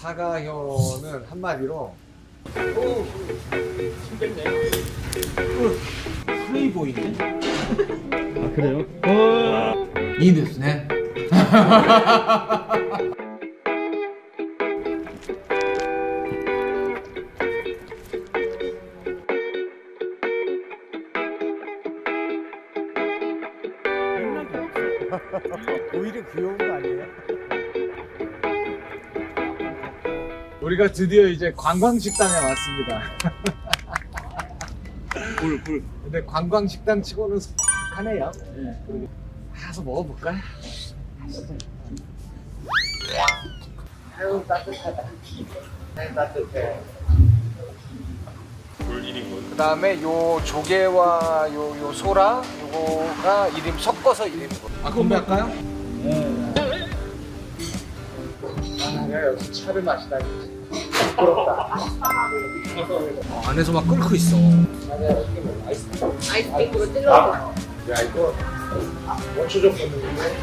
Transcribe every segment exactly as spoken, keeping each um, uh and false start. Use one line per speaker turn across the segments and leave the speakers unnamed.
사가효는 한마디로
플레이보이인데?
아 그래요?
이いですね.
오히려 귀여운 거 아니에요? 우리가 드디어 이제 관광식당에 왔습니다.
굴 굴.
근데 관광식당 치고는 하네요. 네. 가서 먹어볼까요? 아유 따뜻하다. 네, 따뜻해.
굴 일 인분.
그 다음에 요 조개와 요, 요 소라 요거가 일 인 섞어서 일 인분. 아 건배할까요?
네.
아 내가 여기서 차를 마시다니 부끄럽다. 어, 안에서 막 끓고 있어. 아니야 이게 뭐 아이스크림.
아이스크림으로 찔러서.
야 이거 원초 좀 먹는데.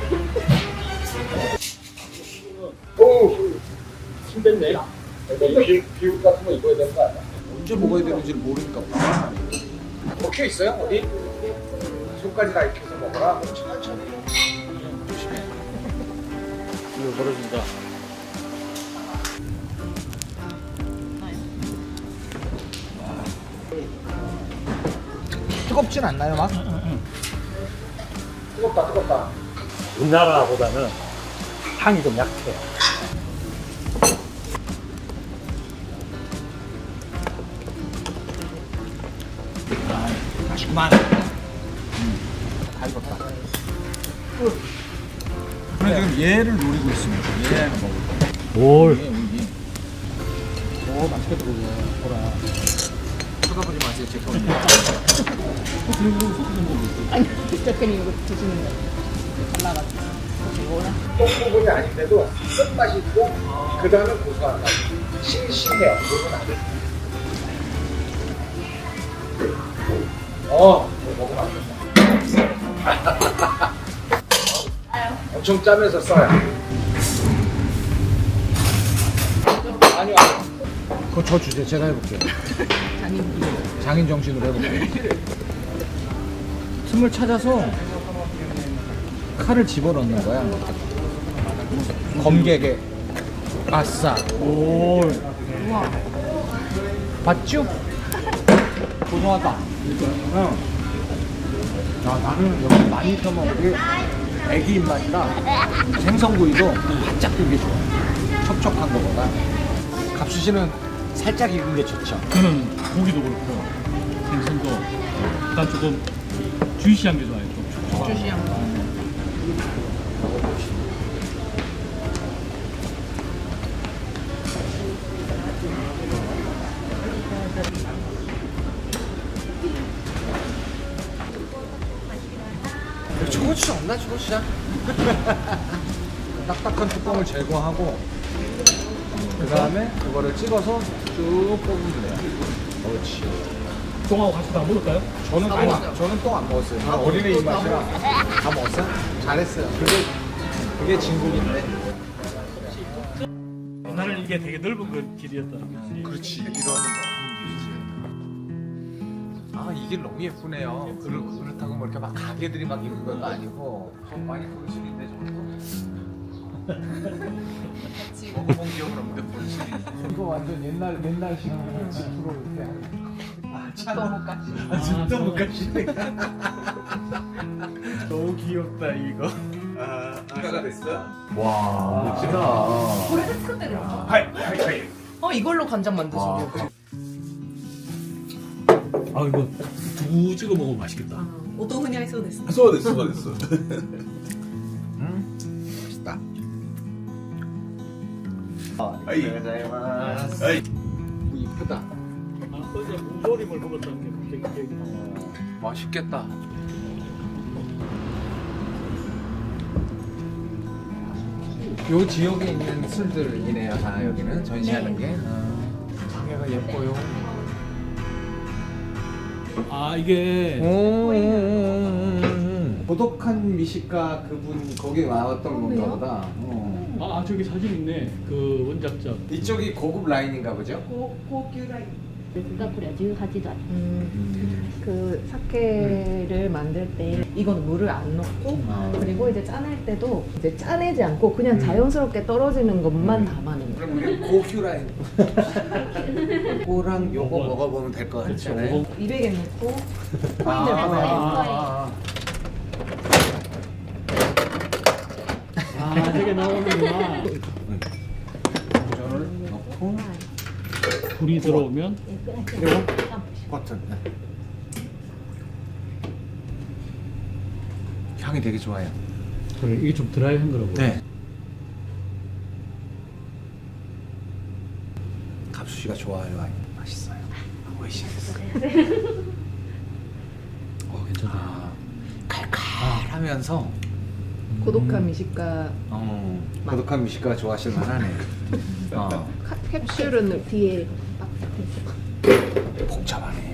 오.
침 뺐네.
비, 비옷 같은 거 입어야 되는 거 아니야? 언제 먹어야 되는지 모르니까 먹혀 있어요? 어디? 손까지 다 익혀서 먹어라. 천천히 조심해.
이거 벌어진다.
뜨겁진 않나요 막? 뜨겁다 뜨겁다.
우리나라보다는 향이 좀 약해. 아, 맛있구만.
다 익었다. 그래 지금 얘를 노리고 있습니다. 얘는 먹을 거야.
뭘?
이게 이게. 오 맛있겠다 그거. 보라. 쳐다보지 마세요 제 손.
아니, 저렇게 이거 드시는 거. 잘라가지고. 이거나.
똥 부분이 아닌데도 끝맛이 있고 그 다음에 고소한 맛. 싱싱해요. 이건 안 돼. 어, 이거 먹으면 안 된다. 엄청 짜면서 써요. 아니요, 아니요. 그거 저 주세요. 제가 해볼게요.
장인.
장인 정신으로 해볼게요. 틈을 찾아서 칼을 집어넣는 거야. 검객에. 아싸.
오.
우와.
봤죠? 고소하다. 응. 야, 나는 여기 많이 써먹은 게 애기 입맛이라 생선구이도 바짝 익은 게 좋아. 촉촉한 거보다. 갑수씨는 살짝 익은 게 좋죠.
저는 고기도 그렇고 생선도 일단 조금 주시한 게 좋아요. 좀 촉촉한.
주시한 거.
초고추장 없나 초고추장? 딱딱한 뚜껑을 제거하고 그 다음에 그거를 찍어서 쭉 뽑으면 돼요. 그렇지.
똥하고 같이 다 먹을까요?
저는
다
아니,
먹었죠.
저는 똥 안 먹었어요. 저는 어린애 입맛이라 다 먹었어요. 잘했어요. 그게 그게 진국인데.
나는 이게 되게 넓은 그 길이었다는 거지.
그렇지. 이런 아, 이 길 너무 예쁘네요. 그렇, 그렇다고 뭐 이렇게 막 가게들이 막 있는 것도 아니고 좀 많이 보이시는데 저도 먹어본 기억은 없는데 보이시는데 이거 완전 옛날 옛날식으로 집으로 이렇게 아,
또 못 가시.
아, 진짜 못 가시네.
너무 귀엽다 이거.
추가가 됐어요?
와
멋지다.
고래를 스크대로.
하이, 하이, 하이.
어, 이걸로 간장 만드시고.
아 이거 두부 찍어 먹으면 맛있겠다.
音風に合いそうですね。
そうですそうです
음, 맛있다.
はいはい
이쁘다.
아 어제 무조림을 먹었다는 게 갑자기 기억이 나.
맛있겠다. 요 지역에 있는 술들이네요. 다 여기는 전시하는 게. 장애가 예뻐요.
아 이게
오, 고독한 미식가 그분 거기 나왔던 건가 보다. 어.
아 저기 사진 있네. 그 원작자.
이쪽이 고급 라인인가 보죠?
がこれはじゅうはちどあり
음, 그 사케를 만들 때 이건 물을 안 넣고 그리고 이제 짜낼 때도 이제 짜내지 않고 그냥 자연스럽게 떨어지는 것만 담아내는 거예요.
그럼 우리 고큐 라인. 요거랑 요거 먹어보면 될 것
그렇죠.
같잖아요.
이백엔 넣고
아,
코인을 받아요.
아, 아,
아 저게 나오는구나.
저를 넣고
불이 들어오면
えーくらい
그리고
散歩し
버튼. 네. 향이 되게 좋아요.
그래 이게 좀 드라이한 거라고.
네. 갑수 씨가 좋아할 와인 맛있어요. 오이시스.
어 괜찮다.
아, 칼칼하면서
고독한 미식가
어, 고독한 미식가 좋아하실 만하네. 어,
카- 캡슐은 뒤에 딱
복잡하네.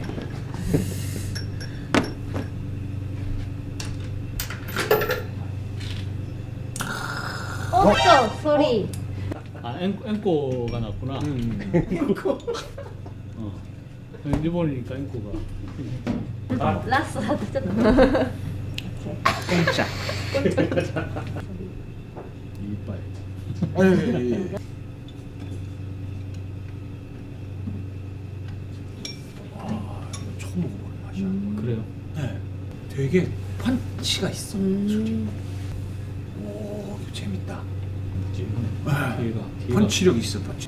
おっとソリ
아 앵, 앵꼬가 났구나.
음.
어. 일본이니까 앵꼬가.
ーラストだとちょっと
공짜.
이빨.
아유, 아, 처음 먹어보는 맛이야.
그래요.
네. 되게 펀치가 있어.
음.
오, 이거 재밌다.
뒤에가 뒤에가.
펀치력 있어, 펀치.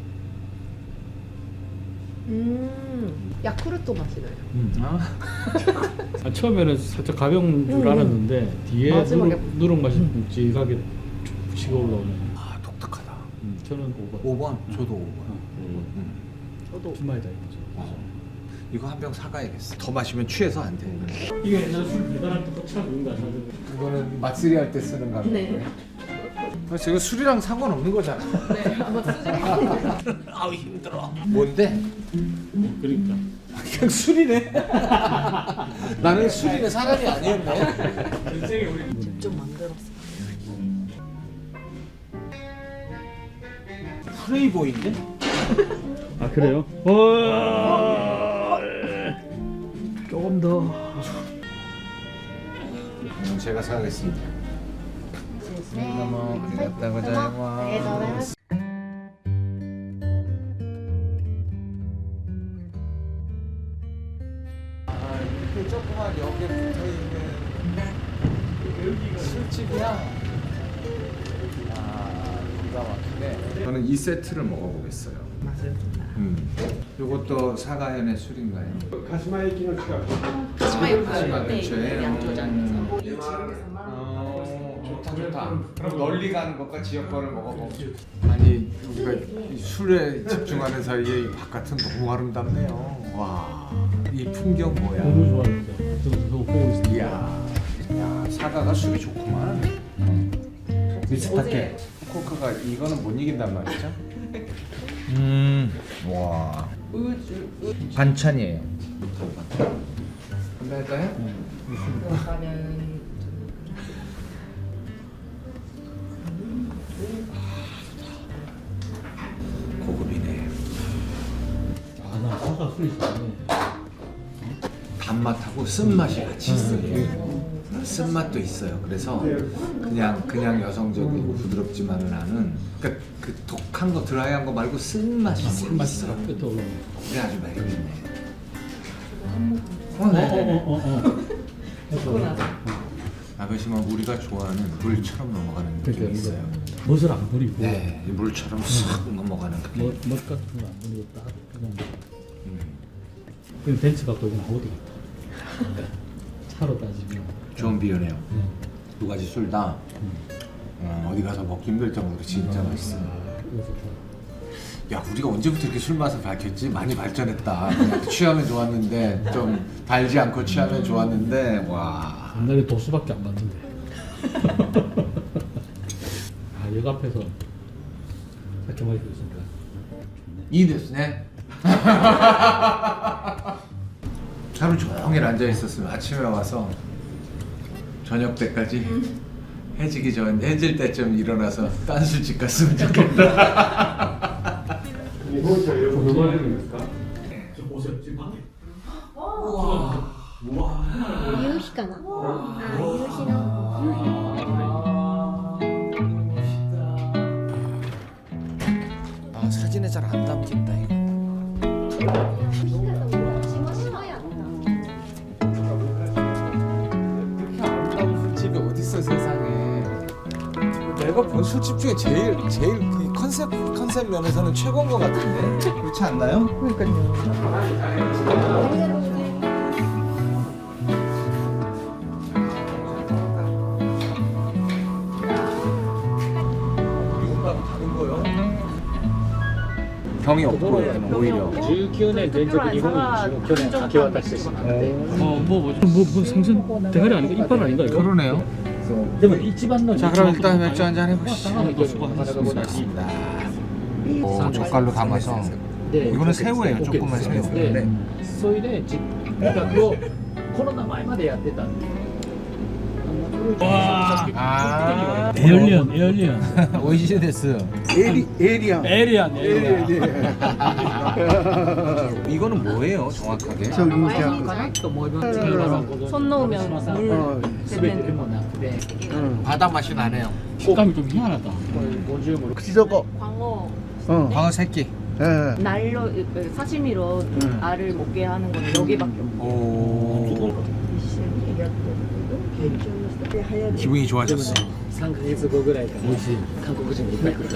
음, 야쿠르트 맛이 나요.
음.
아,
아, 처음에는 살짝 가벼운 줄 알았는데 뒤에
마지막에-
누룩, 누룩 맛이 묵직하게 쭉 치고 올라오네.
아 독특하다.
음, 저는 오 번.
오 번, 저도 오 번.
어,
음.
저도
주말이다 이거죠.
어. 이거 한 병 사가야겠어. 더 마시면 취해서 안 돼.
이게 옛날 술 배달할 때 꽂혀서 그런 거 아니야?
이거는 맛쓰리 할 때 쓰는 거.
네.
그래서 이거 술이랑 상관없는 거잖아.
네, 아마 쓰지
아우 힘들어. 뭔데?
그러니까.
그냥 술이네. 나는 술이네 사람이 아니었네.
인생에 우리
직접 만들었어.
프레이보인데?
아 그래요? 와 조금 더.
음, 제가 사가겠습니다.
ですね
너무
ありがとうございます
아, 이렇게 조그만 여기에 붙어 있는 술집이야. 아, 기가 막히네. 저는 이 세트를 먹어보겠어요.
맛을
음. 이것도 사가현의 술인가요?
가시마
가시마
네,
근처에.
양조장에서.
어, 좋다 좋다. 그럼 널리 가는 것과 지역 거를 먹어보고. 아니 우리가 이 술에 집중하는 사이에 이 바깥은 너무 아름답네요. 와, 이 풍경 뭐야?
너무 좋아했죠. 저도 저도 보고 있어요.
이야, 야 사과가 술이 좋구만. 비슷하게 코크가 이거는 못 이긴단 말이죠? 음, 와,
우주,
반찬이에요. 한번 할까요?
들어가면
고급이네.
아나 사과 술 있었네.
단맛하고 쓴맛이 같이 있어요. 쓴맛도 있어요. 그래서 그냥 그냥 여성적이고 부드럽지만은 않은 그러니까 그 독한 거 드라이한 거 말고 쓴맛이
맛이
있어.
끝에 올라오네.
그래 아주 매력있네. 어, 네.
어어어어.
먹고 나서
아버지만 우리가 좋아하는 물처럼 넘어가는 느낌이
그러니까
있어요.
이거 멋을 안 부리고.
네, 이 물처럼 쓱 넘어가는 느낌.
멋, 멋 같은 거 안 부리고 딱 그냥.
음.
그냥 벤츠 갖고 있는 어디 같다. 차로 따지면.
좋은 비유네요.
음.
두 가지 술 다 어, 어디 가서 먹기 힘들 정도로 진짜
음.
맛있어요.
아, 그래서 좋아.
야, 우리가 언제부터 이렇게 술 맛을 밝혔지? 많이 발전했다. 그냥 취하면 좋았는데 좀 달지 않고 취하면 좋았는데 와.
옛날에 도수밖에 안 봤는데. 아, 역 앞에서 이렇게 마시고 있으니까.
이 됐네. 하루 종일 앉아 있었으면 아침에 와서 저녁 때까지 해지기 전 해질 때쯤 일어나서 딴 술집 갔으면 좋겠다.
이거 얼마나 됩니까? 저 보세요 지금 방에.
夕日かなあ夕日の
아 사진에 잘 안 담긴다 이거.
しましまやった
이렇게 아름다운 술집이 어디 있어 세상에. 내가 본 술집 중에 제일 제일 이 컨셉 컨셉 면에서는 최고인 것 같은데. 그렇지 않나요? 경이 없고 여기는 오히려.
じゅうきゅうねん連続日本一を去年明け渡してしまって
어뭐 뭐죠? 뭐, 뭐 생선 대가리 아닌가? 이빨 아닌가 이거?
그러네요.
でも一番の
자 그럼 일단 맥주 한잔 해보시죠.
수고하셨습니다.
수고하셨습니다. 오, 젓갈로 담아서. 이거는 새우예요, 조그만 새우.
でそれで実企画をコロナ前までやってたんで
와
아,
에얼리언 에얼리언
오이시 데스. 에리 에리야.
에리안 에리안
이거는 뭐예요, 정확하게?
かなと思います
손 놓으면 물
全てでもなくて
바다 맛이 나네요.
식감이 좀 희한하다.
ごじゅうも
광어
광어 새끼.
날로 사시미로 알을 먹게 하는 거는 여기밖에 없고
오. 기분이 좋아졌어.
さんかげつごぐらいから韓国人がいっぱい来ると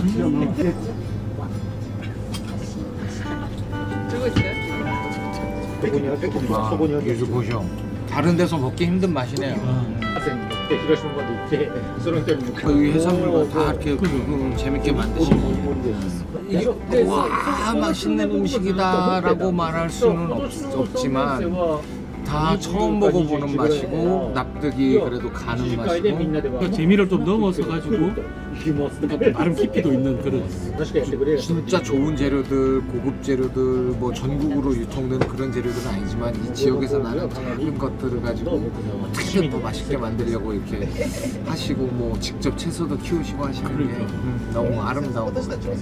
들고 있어요?
ここにある
아,
そこにある
유zu 보쇼. 다른 데서 먹기 힘든 맛이네요.
朝に乗って広島まで行ってその人に
그 해산물과 다 이렇게 음, 재밌게 만드시고. 이게 와 맛있는 음식이다라고 말할 수는 없, 없지만 다 처음 먹어보는 맛이고 납득이 그래도 가는 맛이고.
그 재미를 좀 넘어서 가지고 나름 깊이도 있는 그런.
진짜 좋은 재료들, 고급 재료들, 뭐 전국으로 유통되는 그런 재료들은 아니지만 이 지역에서 나는 작은 것들을 가지고 어떻게 더 맛있게 만들려고 이렇게 하시고 뭐 직접 채소도 키우시고 하시는 게 음, 너무 아름다운 것 같아요.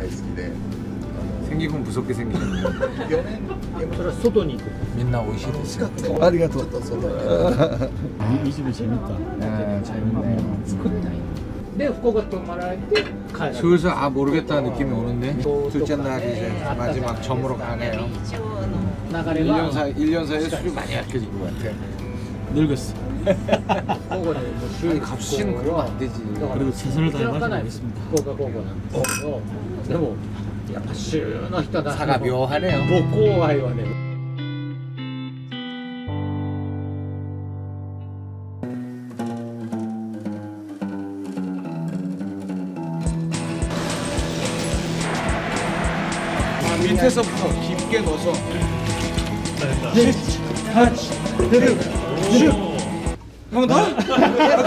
생긴 건 무섭게 생기셨네요.
それは外に行く
민나 오이시데스.
이, 이 집이 재밌다.
네, 재밌네요.
で福岡泊まられて帰られる
슬슬 아 모르겠다는 느낌이 오는데 둘째 날이 이제 마지막 점으로 가네요.
流れ
일 년
は
사이 일 년 사이에 술이 많이 약해진 것 같아.
늙었어.
午後でもう週
아니 값이는 그러면 안 되지.
그래도 최선을
開か
다해가지고
ない
있습니다.
福岡高校なんですけどでもやっぱ週の人だ
사가 묘하네요.
母校愛はね
밑에서부터 깊게 넣어서 한 번 더?